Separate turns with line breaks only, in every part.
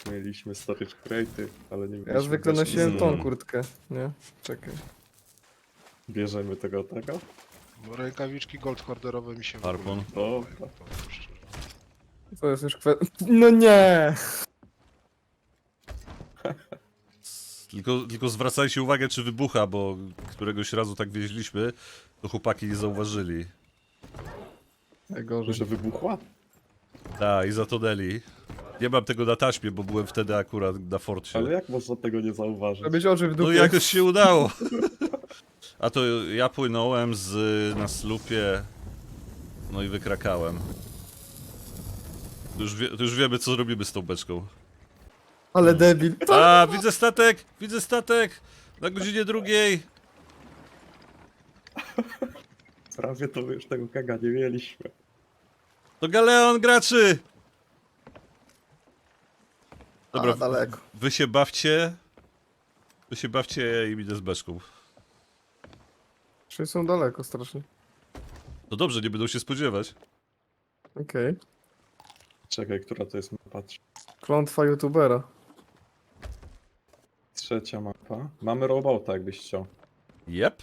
Mieliśmy storage crate'y, ale nie
Ja
mieliśmy
zwykle
beczki
nosiłem
z-
tą kurtkę, nie? Czekaj.
Bierzemy tego.
Bo rękawiczki gold hoarderowe mi się w
Harpun.
ogóle nie podobają,
Dobra.
powiem szczerze.
To jest już kwestia... No nie!
Tylko zwracajcie uwagę, czy wybucha, bo któregoś razu tak wieźliśmy, to chłopaki nie zauważyli.
Najgorzej.
Że wybuchła?
Tak, i zatonęli. Nie mam tego na taśmie, bo byłem wtedy akurat na forcie.
Ale jak można tego nie zauważyć?
Żebyś oczy w
No
dupie.
jakoś się udało. A to ja płynąłem na slupie, no i wykrakałem. To już wiemy, co zrobimy z tą beczką.
Ale debil.
A, widzę statek! Widzę statek! Na godzinie drugiej!
Prawie to już tego kega nie mieliśmy.
To galeon graczy! Dobra,
A, daleko.
wy się bawcie. Wy się bawcie, ja im idę z beczką.
Czyli są daleko strasznie.
No dobrze, nie będą się spodziewać.
Okej.
Czekaj, która to jest mapa?
Klątwa youtubera.
Trzecia mapa. Mamy robota, jakbyś chciał.
Jep.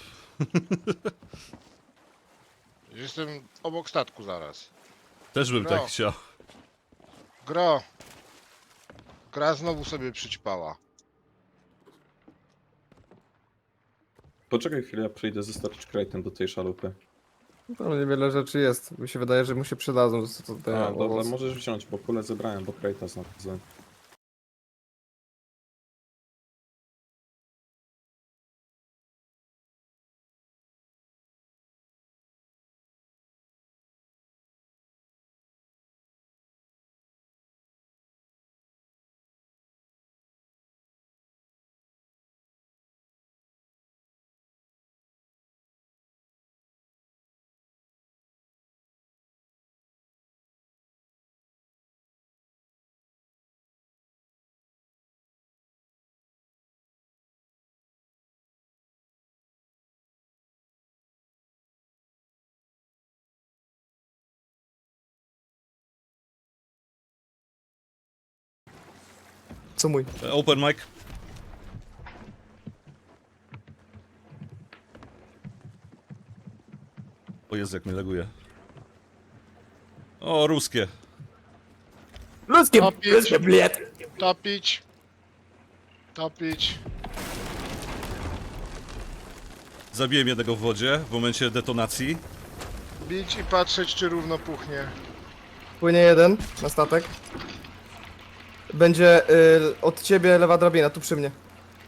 Jestem obok statku zaraz.
Też bym
No.
tak chciał.
Gro! Gra znowu sobie przyćpała.
Poczekaj chwilę, ja przyjdę ze storage crate'em do tej szalupy.
Tam niewiele rzeczy jest. Mi się wydaje, że mu się przydadzą. Co to daje
A, dobra,
owoc.
możesz wziąć, bo kulę zebrałem, bo crate'a znalazłem.
Co mój?
Open mic. O Jezu, jak mnie laguje. O, ruskie.
Ludzkie,
Topić.
ludzkie bliet.
Topić! Topić!
Zabiłem jednego w wodzie w momencie detonacji.
Bić i patrzeć, czy równo puchnie.
Płynie jeden na statek. Będzie od ciebie lewa drabina, tu przy mnie.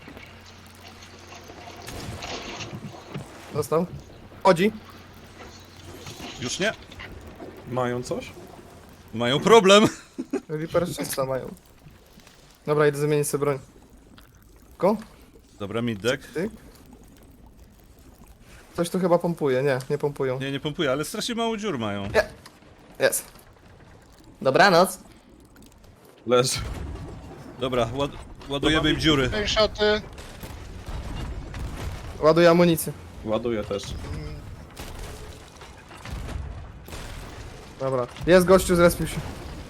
Dostał. Chodzi.
Już nie?
Mają coś?
Mają problem.
Reaper 300 mają. Dobra, idę zamienić sobie broń. Ko?
Dobra, middek.
Ty? Coś tu chyba pompuje. Nie, nie pompują.
Nie pompuję, ale strasznie mało dziur mają.
Jest. Dobranoc.
Leży.
Dobra, ładujemy im dziury.
Ten szoty.
Ładuję amunicję.
Ładuję też.
Dobra. Jest gościu, zrespił się.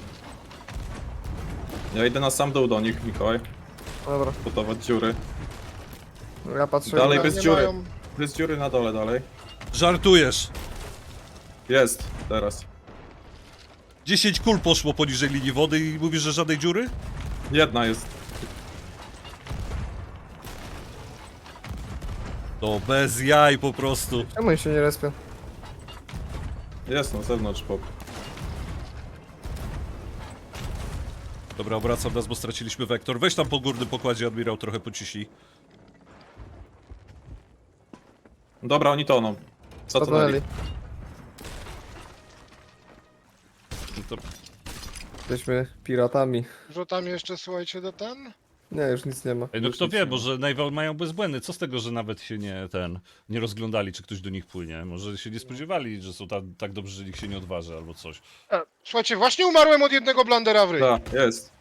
Ja idę na sam dół do nich, Mikołaj.
Dobra.
Gotować dziury.
Ja patrzę.
Dalej
Ale
bez
nie
dziury.
mają-
Bez dziury na dole dalej.
Żartujesz.
Jest, teraz.
10 kul poszło poniżej linii wody i mówisz, że żadnej dziury?
Jedna jest.
To bez jaj po prostu.
Czemu oni się nie respią?
Jest na zewnątrz, pop.
Dobra, obracam nas, bo straciliśmy wektor. Weź tam po górnym pokładzie, admirał, trochę pociśnij.
Dobra, oni toną. Co to
Zatonęli.
dali?
No to
Jesteśmy piratami.
Że tam jeszcze, słuchajcie, do ten?
Nie, już nic nie ma.
Ej, no kto wie, może Naval mają bezbłędny. Co z tego, że nawet się nie rozglądali, czy ktoś do nich płynie? Może się nie spodziewali, że są tak dobrzy, że nikt się nie odważy albo coś.
Słuchajcie, właśnie umarłem od jednego blandera w ryj.
Tak, jest.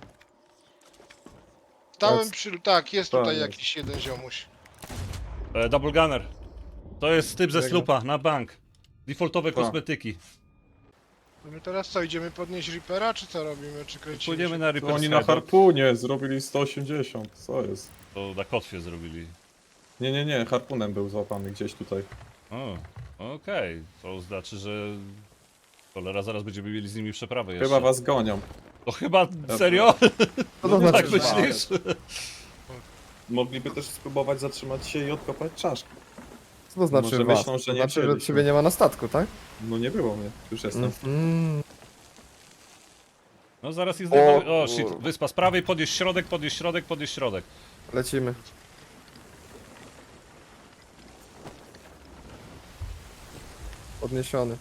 Stałem przy... Tak, jest
Tak,
tutaj
jest.
jakiś jeden ziomuś.
Double Gunner. To jest typ ze
Jego.
slupa, na bank. Defaultowe
Tak.
kosmetyki.
My teraz co, idziemy podnieść Reapera, czy co robimy, czy kręcimy
Płyniemy
się?
na
To
Reaper's
oni na
Hideout.
harpunie zrobili 180, co jest?
To na kotwie zrobili.
Nie, harpunem był złapany gdzieś tutaj.
O, okej. To znaczy, że... Cholera, zaraz będziemy mieli z nimi przeprawę jeszcze.
Chyba was gonią.
To chyba... Serio?
Co to znaczy?
Tak
że
myślisz?
Mogliby też spróbować zatrzymać się i odkopać czaszki.
Co to znaczy
Może
was?
myślą, że
To
nie
znaczy, że
wzięliśmy.
ciebie nie ma na statku, tak?
No nie było mnie, już jestem.
Mhm.
No zaraz jest...
O,
O, shit. Wyspa z prawej, podjeść środek, podjeść środek, podjeść środek.
Lecimy. Podniesiony.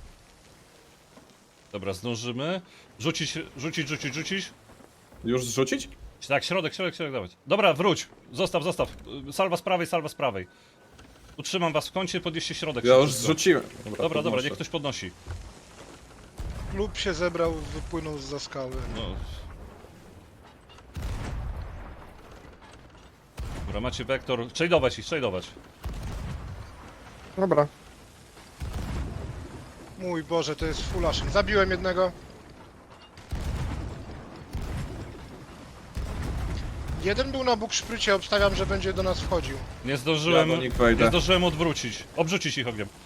Dobra, zdążymy. Rzucić.
Już zrzucić?
Tak, środek, dawać. Dobra, wróć. Zostaw. Salwa z prawej. Utrzymam was w kącie, podnieście środek.
Ja już
szybciutko.
zrzuciłem.
Dobra,
podnoszę.
niech ktoś podnosi.
Klub się zebrał, wypłynął zza skały.
No. Dobra, macie wektor. Tradeować.
Dobra.
Mój Boże, to jest full ashen. Zabiłem jednego. Jeden był na bukszprycie, obstawiam, że będzie do nas wchodził.
Nie zdążyłem.
Ja do nich wejdę.
Nie zdążyłem odwrócić. Obrzucić ich ogniem.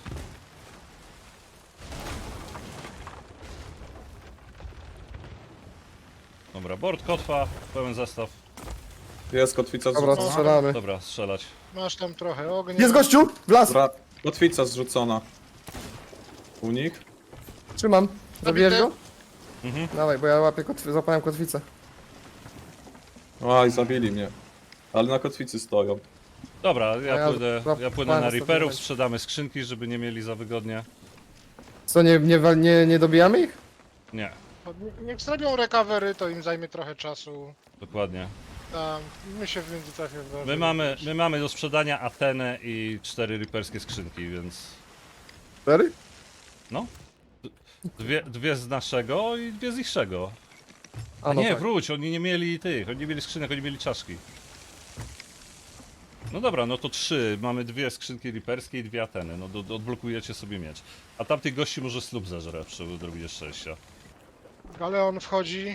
Dobra, board kotwa, pełen zestaw.
Jest kotwica
Dobra,
zrzucona.
strzelamy.
Dobra, strzelać.
Masz tam trochę ognia.
Jest gościu! W las!
Dobra, kotwica zrzucona. U nich?
Trzymam. Zabijesz go?
Mhm.
Dawaj, bo ja łapię złapałem kotwicę.
Oj, zabili mnie. Ale na kotwicy stoją.
Dobra,
ja
ja płynę na
sobie
Reaperów,
będzie.
sprzedamy skrzynki, żeby nie mieli za wygodnie.
Co, nie dobijamy ich?
Nie,
Niech zrobią recovery, to im zajmie trochę czasu.
dokładnie.
Tam, my się w międzyczasie
My mamy do sprzedania Atenę i 4 Reaperskie skrzynki, więc...
4?
No. Dwie z naszego i dwie z ichszego.
A no
Nie,
tak.
wróć, oni nie mieli oni nie mieli skrzynek, oni mieli czaszki. No dobra, no to 3. Mamy 2 skrzynki Reaperskie i 2 Ateny. No odblokujecie sobie miecz. A tamtych gości może slub zażre przy odrobinie szczęścia.
Galeon wchodzi.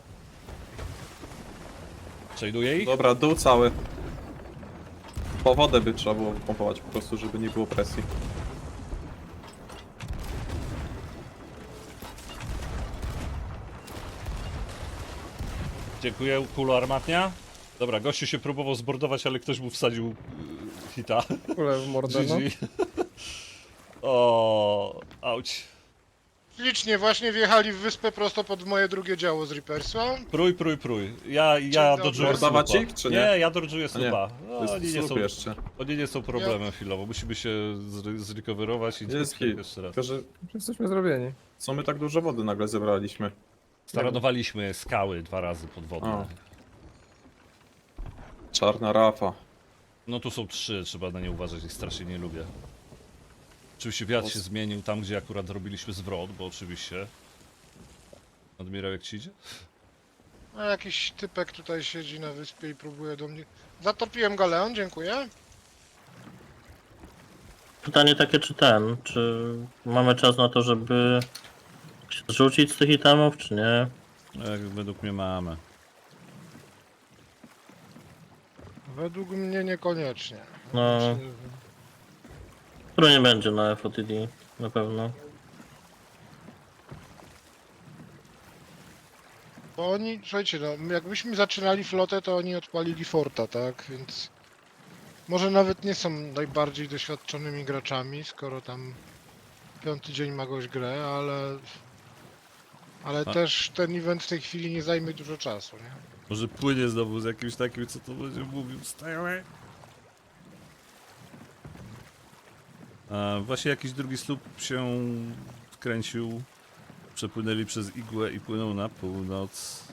Tradeuje ich?
Dobra, dół cały. Po wodę by trzeba było pompować po prostu, żeby nie było presji.
Dziękuję, kulo armatnia. Dobra, gościu się próbował zbordować, ale ktoś mu wsadził hita.
Kule w mordę, no.
GG. O, auć.
Licznie właśnie wjechali w wyspę prosto pod moje drugie działo z Reapersa.
Prój. Ja dodżuję
Mordować
slupa.
ich, czy nie?
Nie, ja dodżuję
A nie,
slupa. No,
To
oni,
jest
nie
słup
są,
jeszcze.
oni nie są problemem chwilowo. Musimy się zrecoverować i
Jest hit.
jeszcze raz.
Tylko, że
Już jesteśmy zrobieni.
co my tak dużo wody nagle zebraliśmy?
Staranowaliśmy skały 2 razy podwodne.
O. Czarna rafa.
No tu są 3, trzeba na nie uważać, ich strasznie nie lubię. Oczywiście wiatr się zmienił tam, gdzie akurat robiliśmy zwrot, bo oczywiście... Admirał, jak ci idzie?
A jakiś typek tutaj siedzi na wyspie i próbuje do mnie... Zatopiłem Galeon, dziękuję.
Pytanie takie, czy mamy czas na to, żeby się zrzucić z tych itemów, czy nie?
Jak według mnie mamy.
Według mnie niekoniecznie.
No. Który nie będzie na FOTD, na pewno.
Bo oni, słuchajcie, no, jakbyśmy zaczynali flotę, to oni odpalili forta, tak? Więc może nawet nie są najbardziej doświadczonymi graczami, skoro tam 5. dzień ma goś grę, ale
A.
też ten event w tej chwili nie zajmie dużo czasu, nie?
Może płynie znowu z jakimś takim, co to będzie mówił, stałe. Właśnie jakiś drugi słup się wkręcił. Przepłynęli przez igłę i płyną na północ.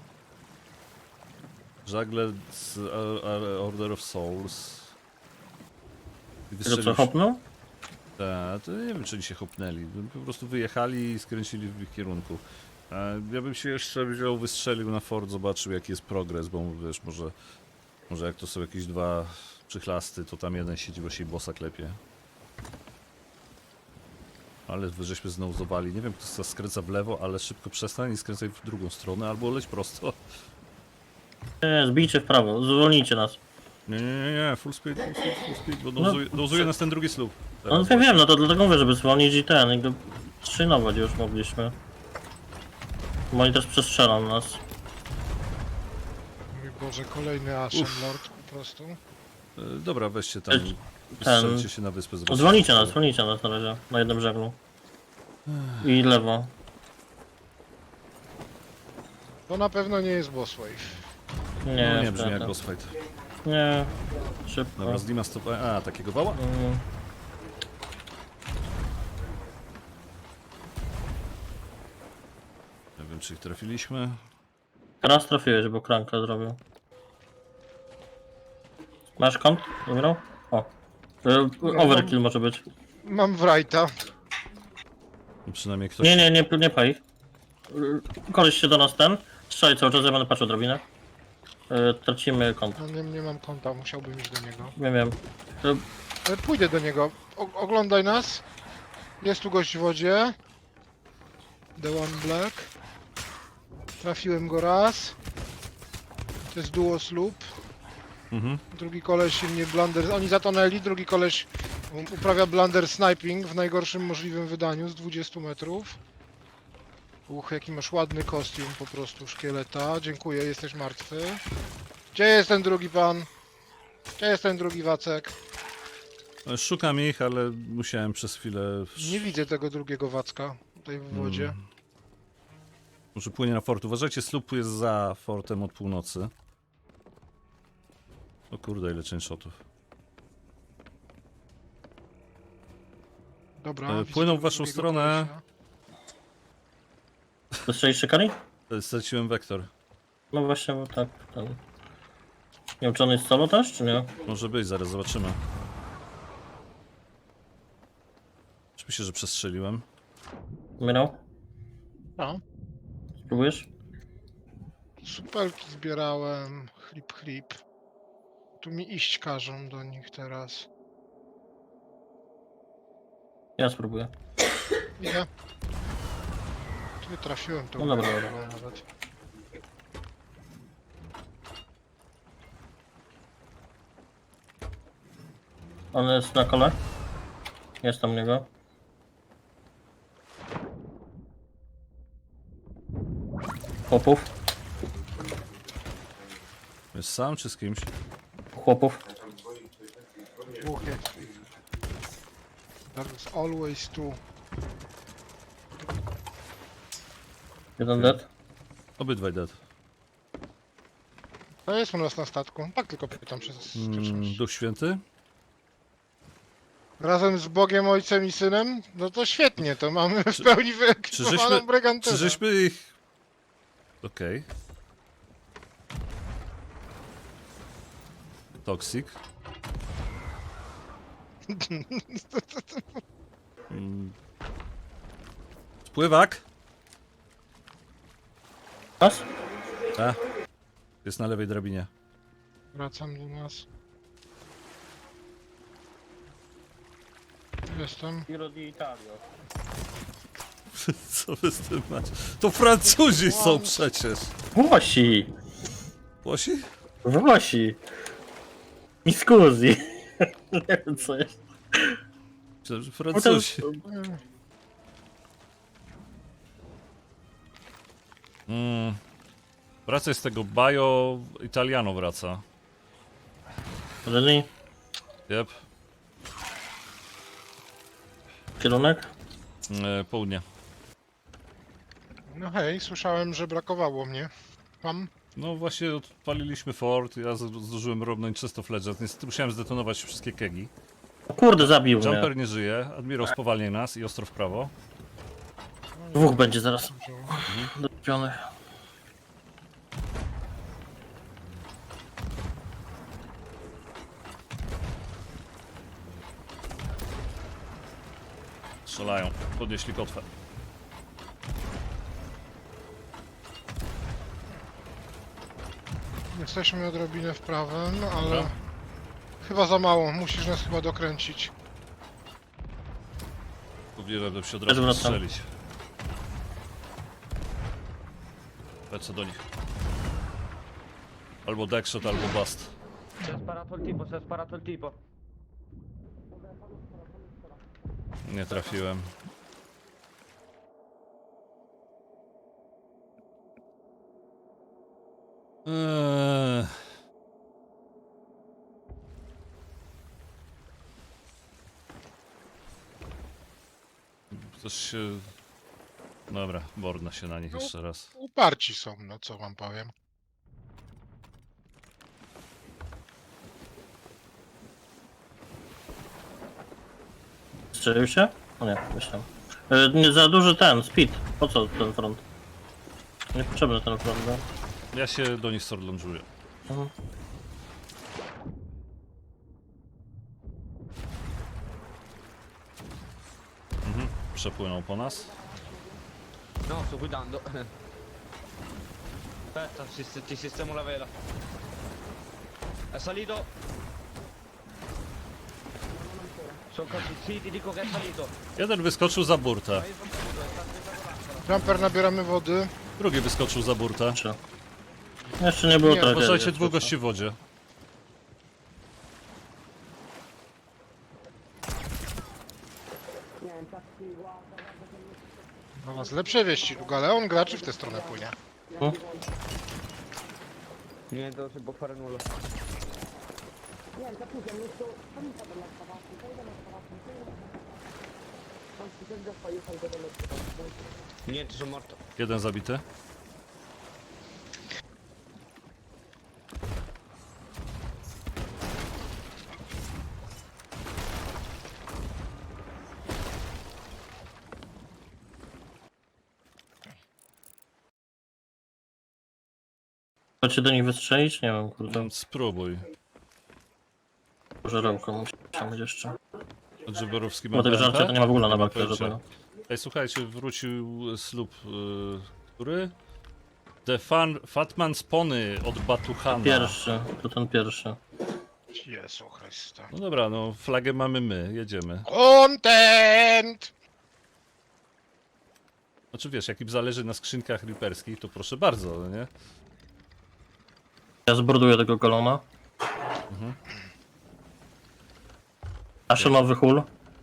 Żagle z Order of Souls. I
Tego co
wystrzelił się-
hopnął?
Tak, to nie wiem, czy oni się hopnęli. Po prostu wyjechali i skręcili w ich kierunku. Ja bym się jeszcze wziął, wystrzelił na fort, zobaczył jaki jest progres, bo wiesz, może jak to są jakieś 2 przychlasty, to tam jeden siedzi, bo się bossa klepie. Ale wy żeśmy znowu zowali. Nie wiem, kto skręca w lewo, ale szybko przestań i skręcaj w drugą stronę, albo leć prosto.
Nie, zbijcie w prawo, zwolnijcie nas.
Nie, full speed, full speed, bo
No,
dozuje nas ten drugi słup.
No wiem, no to dlatego mówię, żeby zwolnić i ten, i go szynować już mogliśmy. Bo oni też przestrzelą nas.
Mój Boże, kolejny Ashen Lord po prostu.
Dobra, weźcie tam,
Ten-
strzelcie się na wyspę. zobaczcie,
Zwolnijcie
co
nas na razie, na jednym brzegu. I lewo.
To na pewno nie jest boss wave.
Nie,
No nie brzmi jak
wtedy.
boss fight.
Nie, szybko.
Dobra, z Dima stop... A, takiego wała?
Mm.
Nie wiem, czy ich trafiliśmy.
Raz trafiłeś, bo kranka zrobił. Masz kąt? Wygrał? O. Overkill może być.
Mam Wrighta.
No, przynajmniej ktoś...
Nie paj ich. Koleś się do nas ten. Strzelaj cały czas, ja będę patrzył drobinę. Tracimy kąt.
No nie mam konta, musiałbym iść do niego.
Wiem.
Pójdę do niego. Oglądaj nas. Jest tu gość w wodzie. The One Black. Trafiłem go raz. To jest duo sloop.
Mhm.
Drugi koleś mnie blunder... Oni zatonęli, drugi koleś uprawia blunder sniping w najgorszym możliwym wydaniu z 20 metrów. Jaki masz ładny kostium po prostu, szkieleta. Dziękuję, jesteś martwy. Gdzie jest ten drugi pan? Gdzie jest ten drugi Wacek?
Szukam ich, ale musiałem przez chwilę...
Nie widzę tego drugiego Wacka tutaj w wodzie.
Może płynie na fort. Uważajcie, słup jest za fortem od północy. O kurde, ile chain shotów.
Dobra,
płyną
widzę
w waszą
drugiego
stronę.
kolesia.
Dostrzelisz szykani?
Straciłem wektor.
No właśnie, bo tak. Ten. Nie wiem, czy on jest solo też, czy nie?
Może być, zaraz zobaczymy. Oczywiście, że przestrzeliłem.
Umierał?
No.
Spróbujesz?
Supelki zbierałem. Chlip. Tu mi iść każą do nich teraz.
Ja spróbuję.
Idę. Tu nie trafiłem to.
No dobra,
Nawet.
On jest na kole? Jest tam niego. Chłopów.
Jest sam czy z kimś?
Chłopów.
Dwóch jest. There is always two.
Jeden dead.
Obydwaj dead.
To jest u nas na statku. Tak tylko pytam przez czymś.
Duch Święty?
Razem z Bogiem, Ojcem i Synem? No to świetnie, to mamy w pełni wyekwipowaną brygantynę.
Czy żeśmy ich... Okej. Toxic. Spływak!
Masz?
A. Jest na lewej drabinie.
Wracam do nas. Jestem.
Giro di Italia.
Co wy z tym macie? To Francuzi są przecież!
Włosi!
Włosi?
Włosi! Mi scusi. Nie wiem co jest.
Myślałem, że Francuzi. Wraca z tego Bajo Italiano wraca.
Ready?
Yep.
Kierunek?
Południe.
No hej, słyszałem, że brakowało mnie. Mam?
No właśnie odpaliliśmy fort, ja zdążyłem robnąć czysto fledżet. Niestety musiałem zdetonować wszystkie kegi.
O kurde, zabił mnie.
Jumper nie żyje, admirał spowalnia nas i ostro w prawo.
Dwóch będzie zaraz. Dopiony.
Strzelają, podnieśli kotwę.
Jesteśmy odrobinę w prawym, ale
Dobra.
chyba za mało. Musisz nas chyba dokręcić.
Powinienem się od
Też
razu
wracam.
strzelić. Lecę do nich. Albo deckshot, albo bust.
Si è sparato il tipo, si è sparato il tipo.
Nie trafiłem. Eee. Coś się... Dobra, borna się na nich jeszcze raz.
Uparci są, no co wam powiem.
Strzelił się? O nie, myślałem. Nie za duży ten, speed. Po co ten front? Niepotrzebny ten front, no.
Ja się do nich sorlążuję.
Mhm.
Przepłynął po nas.
No, sto guidando. Aspetta, ti sistemo la vela. È salito. Sì, ti dico che è salito.
Jeden wyskoczył za burtę.
Jumper, nabieramy wody.
Drugi wyskoczył za burtę.
Czy? Jeszcze nie było
Nie,
tragedii.
Uważajcie, dwóch gości w wodzie.
No was lepsze wieści, Galeon graczy w tę stronę płynie.
Niente, non si può fare nulla. Niente, sono morto.
Jeden zabity.
Chcecie do nich wystrzelić? Nie wiem, kurde.
Spróbuj.
Żerełko musiałem mieć jeszcze.
Dżyberowski
Bo tego żarcia to nie ma w ogóle na bakterze żadnego.
Ej, słuchajcie, wrócił slub, który? Fatman Spony od Batuhana.
Pierwszy, to ten pierwszy.
Jezu Chryste.
No dobra, no flagę mamy my, jedziemy.
Content!
Znaczy wiesz, jak im zależy na skrzynkach riperskich, to proszę bardzo, no nie?
Ja zborduję tego golona. Aszonowy hul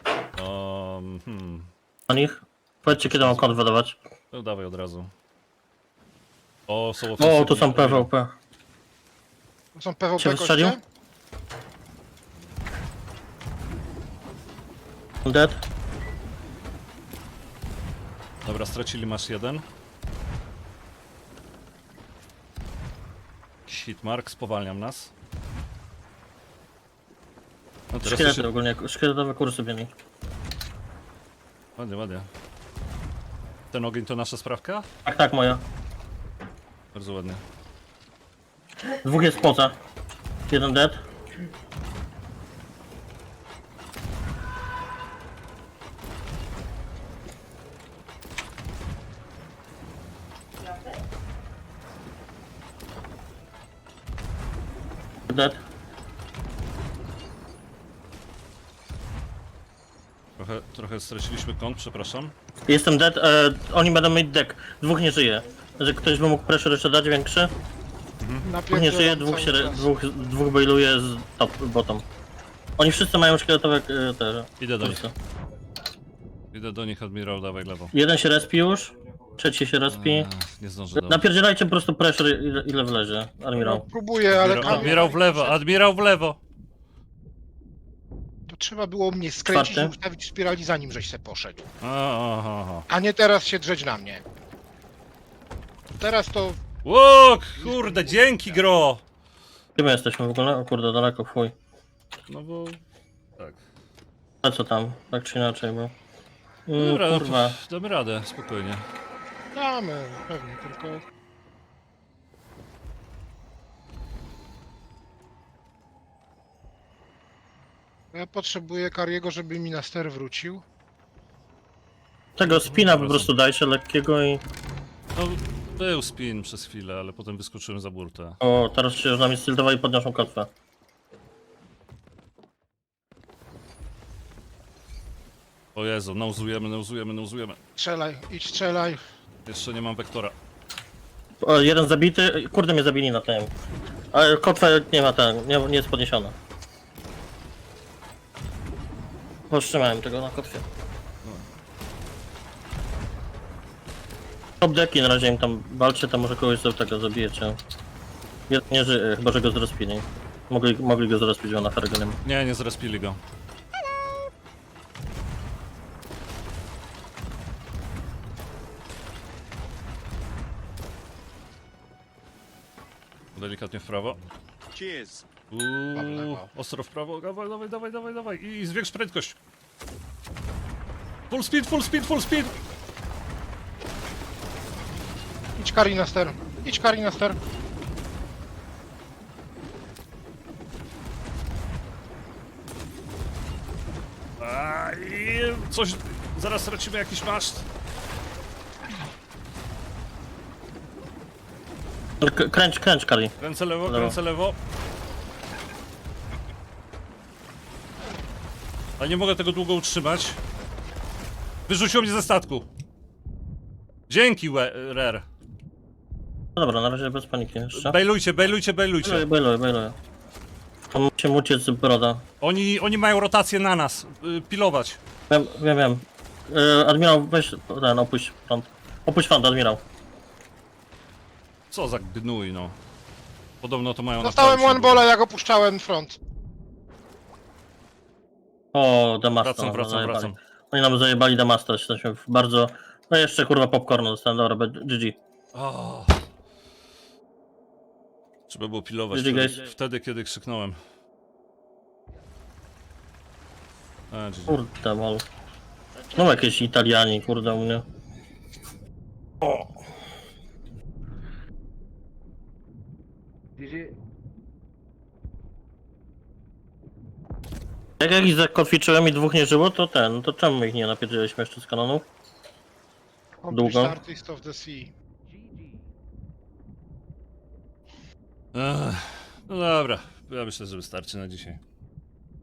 na nich. Powiedzcie, kiedy mam kod wydawać.
No dawaj od razu. O, są
O,
ofensywni.
tu są PvP.
To są PvP
Cię wystrzelił?
koście?
Dead.
Dobra, stracili masz jeden. Hitmark, spowalniam nas. No teraz to
Szkielety
się...
ogólnie, szkieletowe kursy biegnie.
Ładnie, ładnie. Ten ogień to nasza sprawka?
Tak, tak, moja.
Bardzo ładnie.
Dwóch jest poza. Jeden dead. Dead.
Trochę straciliśmy kąt, przepraszam.
Jestem dead, oni będą mieć deck. Dwóch nie żyje. Że ktoś by mógł pressure jeszcze dać większy? Dwóch nie żyje,
Napierdzielam cały czas.
dwóch bailuje z top, bottom. Oni wszyscy mają szkieletowe te
Idę do nich.
kursy.
Idę do nich, admirał, dawaj lewo.
Jeden się respi już, trzeci się respi.
Nie zdążę do...
Napierdzielajcie po prostu pressure ile wlezie,
No,
admirał.
próbuję, ale
Admirał w lewo, admirał w lewo!
to trzeba było mnie skręcić i
Czwarty.
ustawić spirali zanim żeś se poszedł.
Aha.
A nie teraz się drzeć na mnie. Teraz to...
Ło, kurde, dzięki gro!
Gdzie my jesteśmy w ogóle? O kurde, daleko, fuj.
No bo... Tak.
A co tam? Tak czy inaczej, bo...
Dobra, no
kurwa.
to damy radę, spokojnie.
Damy, pewnie, tylko... Ja potrzebuję Kariego, żeby mi na ster wrócił.
Tego spina po prostu dajcie lekkiego i...
No, był spin przez chwilę, ale potem wyskoczyłem za burtę.
O, teraz się już na mnie stiltowali i podnoszą kotwę.
O Jezu, nauzujemy.
Strzelaj, idź strzelaj.
Jeszcze nie mam wektora.
O, jeden zabity, kurde mnie zabili na tym. Ale kotwa nie ma ten, nie jest podniesiona. Powstrzymałem tego na kotwie. Top deki na razie im tam walczy, to może kogoś z tego zabijecie. Jeden nie żyje, chyba że go zrespili. Mogli go zrespić, bo na Fergo nie ma.
Nie zrespili go. Delikatnie w prawo.
Cheers.
lewo.
Ostro w prawo. Dawaj. I zwiększ prędkość. Full speed.
Idź Kari na ster. Idź Kari na ster.
I coś... Zaraz stracimy jakiś maszt.
Kręć, Kali.
Kręcę lewo. Ale nie mogę tego długo utrzymać. Wyrzuciło mnie ze statku. Dzięki, Rare.
No dobra, na razie bez paniki jeszcze.
Bejlujcie.
Bailuję. To musimy uciec z broda.
Oni mają rotację na nas. Pilować.
Wiem. Admirał, weź ten, opuść front. Opuść front, admirał.
Co za gnój, no. Podobno to mają
Dostałem
naprawić
one balla, jak opuszczałem front.
O, Damasta.
Wracam.
Oni nam zajebali Damasta, jesteśmy w bardzo... No jeszcze kurwa popcornu dostałem, dobra, GG.
O. Trzeba było pilować
GG, guys.
wtedy, kiedy krzyknąłem. GG.
Kurde, mol. No jakieś Italiani, kurde, u mnie. Jak ich zakotwiczyłem i dwóch nie żyło, to to czemu ich nie napierdzieliśmy jeszcze z kanonów? Długo.
Complete Artist of the Sea.
No dobra, ja myślę, że wystarczy na dzisiaj.